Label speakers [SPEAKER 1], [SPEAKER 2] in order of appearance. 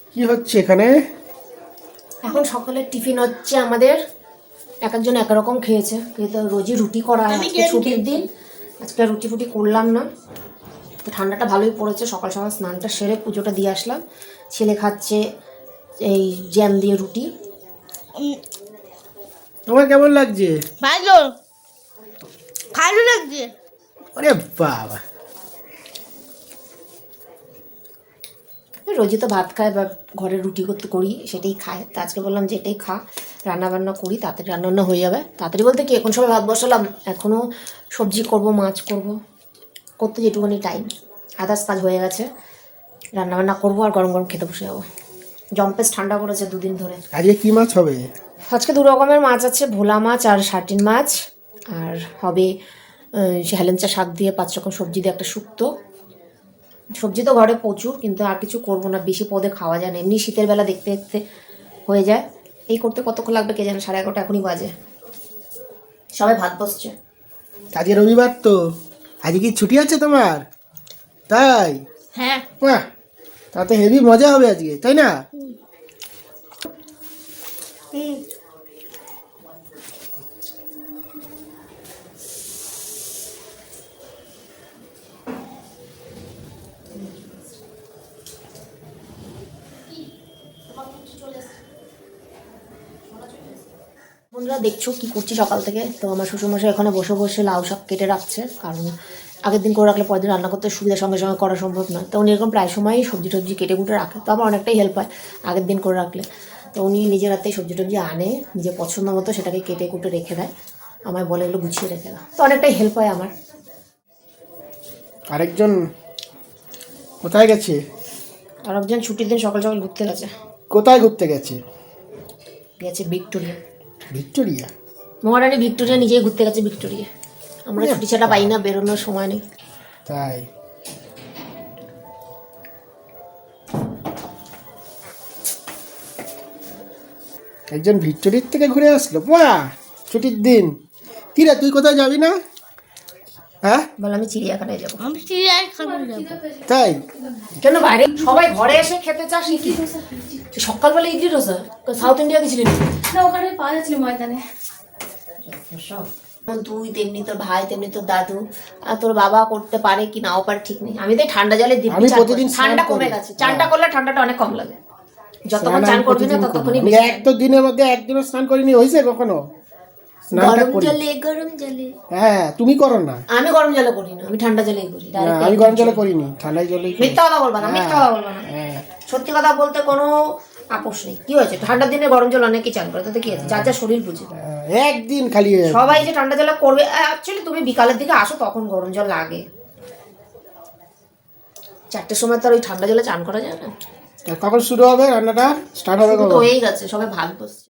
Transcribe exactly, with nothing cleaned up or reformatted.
[SPEAKER 1] কি হচ্ছে এখানে?
[SPEAKER 2] এখন সকালের টিফিন হচ্ছে আমাদের। এক একজন এক রকম খেয়েছে, কিন্তু রোজই রুটি করা হয়। আজকে ছুটির দিন, আজকে রুটি ফুটি করলাম না। তো ঠান্ডাটা ভালোই পড়েছে, সকাল সকাল স্নানটা সেরে পুজোটা দিয়ে আসলাম। ছেলে খাচ্ছে এই জ্যাম দিয়ে রুটি।
[SPEAKER 1] তোমার কেমন লাগছে?
[SPEAKER 3] ভালো ভালো লাগছে।
[SPEAKER 1] আরে বাবা,
[SPEAKER 2] রোজই তো ভাত খায় বা ঘরে রুটি করতে করি, সেটাই খায়। তো আজকে বললাম যে এটাই খা, রান্না বান্না করি, তাড়াতাড়ি রান্নাবান্না হয়ে যাবে। তাড়াতাড়ি বলতে কি, এখন সময় ভাত বসালাম, এখনও সবজি করব, মাছ করব, করতে যেটুকুনি টাইম, আদার্স কাজ হয়ে গেছে। রান্নাবান্না করবো আর গরম গরম খেতে বসে যাবো। জম্পেস ঠান্ডা পড়েছে দুদিন ধরে।
[SPEAKER 1] আজকে কি মাছ হবে?
[SPEAKER 2] আজকে দু রকমের মাছ আছে, ভোলা মাছ আর সার্টিন মাছ। আর হবে সে হেলেঞ্চা শাক দিয়ে পাঁচ রকম সবজি দিয়ে একটা শুক্তো। সবজি তো ঘরে প্রচুর, কিন্তু আর কিছু করবো না, বেশি পদে খাওয়া যায় না। এমনি শীতের বেলা দেখতে দেখতে হয়ে যায়। এই করতে কতক্ষণ লাগবে কে জানে, সাড়ে এগারোটা এখনই বাজে, সবাই ভাত বসছে।
[SPEAKER 1] আজকে রবিবার তো, আজকে কি ছুটি আছে তোমার? তাই?
[SPEAKER 3] হ্যাঁ
[SPEAKER 1] বাহ, তাতে হেভি মজা হবে আজকে, তাই না?
[SPEAKER 3] হুম
[SPEAKER 2] বন্ধুরা দেখছো কি করছি সকাল থেকে। তো আমার শ্বশুরমশাই এখানে বসে বসে লাউ শাক কেটে রাখছে, কারণ আগের দিন করে রাখলে পরের দিন রান্না করতে সুবিধা, সঙ্গে সঙ্গে করা সম্ভব নয়। তো উনি এরকম প্রায় সময়ই সবজি টবজি কেটে কুটে রাখে, তো আমার অনেকটাই হেল্প হয় আগের দিন করে রাখলে। তো উনি নিজের হাতেই সবজি টবজি আনে, নিজের পছন্দ মতো সেটাকে কেটে কুটে রেখে দেয়, আমায় বলে এগুলো গুছিয়ে রেখে দেয়, তো অনেকটাই হেল্প হয় আমার।
[SPEAKER 1] আরেকজন কোথায় গেছে?
[SPEAKER 2] আর একজন ছুটির দিন সকাল সকাল ঘুরতে গেছে,
[SPEAKER 1] কোথায় ঘুরতে গেছে?
[SPEAKER 2] গেছে ভিক্টোরিয়া।
[SPEAKER 1] ভিক্টোরিয়া?
[SPEAKER 2] মহারানী ভিক্টোরিয়া নিজেই ঘুরতে গেছে ভিক্টোরিয়া। আমরা ছুটি ছাড়া পাই না, বেরোনোর সময় নেই।
[SPEAKER 1] তাই? একজন ভিক্টোরিয়ার থেকে ঘুরে আসলো, বাহ, ছুটির দিন। কি রে, তুই কোথায় যাবি না? হ্যাঁ,
[SPEAKER 2] বলে আমি চিড়িয়াখানায় যাবো।
[SPEAKER 3] আমি চিড়িয়াখানা যাবো।
[SPEAKER 1] তাই?
[SPEAKER 2] কেন বাইরে সবাই ঘরে এসে খেতে চাস কি? সকালবেলা ইডলি ডোসা, সাউথ ইন্ডিয়া গেছিলি নাকি?
[SPEAKER 3] না, ওখানে পাওয়া যাচ্ছিল ময়দানে।
[SPEAKER 2] তুই তেমনি তোর ভাই, তেমনি তোর দাদু, আর তোর বাবা করতে পারে কি নাও পারে ঠিক নেই। আমি তো এই ঠান্ডা জলে দিব্যি
[SPEAKER 1] আমি
[SPEAKER 2] চান
[SPEAKER 1] প্রতিদিন
[SPEAKER 2] করি।
[SPEAKER 1] স্নান
[SPEAKER 2] ঠান্ডা
[SPEAKER 1] করি।
[SPEAKER 2] কমে গেছে, চানটা করলে ঠান্ডাটা অনেক কম লাগে। যতক্ষণ
[SPEAKER 1] স্নান
[SPEAKER 2] চান
[SPEAKER 1] আমি
[SPEAKER 2] করবি না
[SPEAKER 1] প্রতিদিন করি।
[SPEAKER 2] ততক্ষণই
[SPEAKER 1] আমি
[SPEAKER 2] বেশি।
[SPEAKER 1] এক তো দিনের মধ্যে একদিনও স্নান করিনি, হয়েছে কখনো? স্নানটা
[SPEAKER 2] গরম
[SPEAKER 1] করি।
[SPEAKER 2] জলে, গরম জলে।
[SPEAKER 1] হ্যাঁ, তুমি করো না।
[SPEAKER 2] আমি গরম জলে করি না, আমি ঠান্ডা জলেই করি।
[SPEAKER 1] না,
[SPEAKER 2] Direct
[SPEAKER 1] আমি
[SPEAKER 2] একদম
[SPEAKER 1] গরম জলে
[SPEAKER 2] জলে।
[SPEAKER 1] করিনি, ঠান্ডায় জলেই করি।
[SPEAKER 2] মিথ্যা কথা বলবা না, মিথ্যা কথা বলবা না।
[SPEAKER 1] হ্যাঁ,
[SPEAKER 2] সত্যি কথা বলতে কোনো আপোষ নেই। কি হয়েছে, ঠান্ডার দিনে গরম জল অনেকেই চান করে, তাতে কি আছে, যার যা শরীর বুঝে।
[SPEAKER 1] হ্যাঁ, একদিন খালি।
[SPEAKER 2] সবাই যে ঠান্ডা জলে করবে, অ্যাকচুয়ালি তুমি বিকালের দিকে আসো তখন গরম জল লাগে। চারটের সময় তো আর ওই ঠান্ডা জলে চান করা যায় না।
[SPEAKER 1] কখন শুরু হবে রান্নাটা? স্টার্ট হবে
[SPEAKER 2] শুরু তো
[SPEAKER 1] কখন?
[SPEAKER 2] হয়েই গেছে, সবাই ভাত বসছে।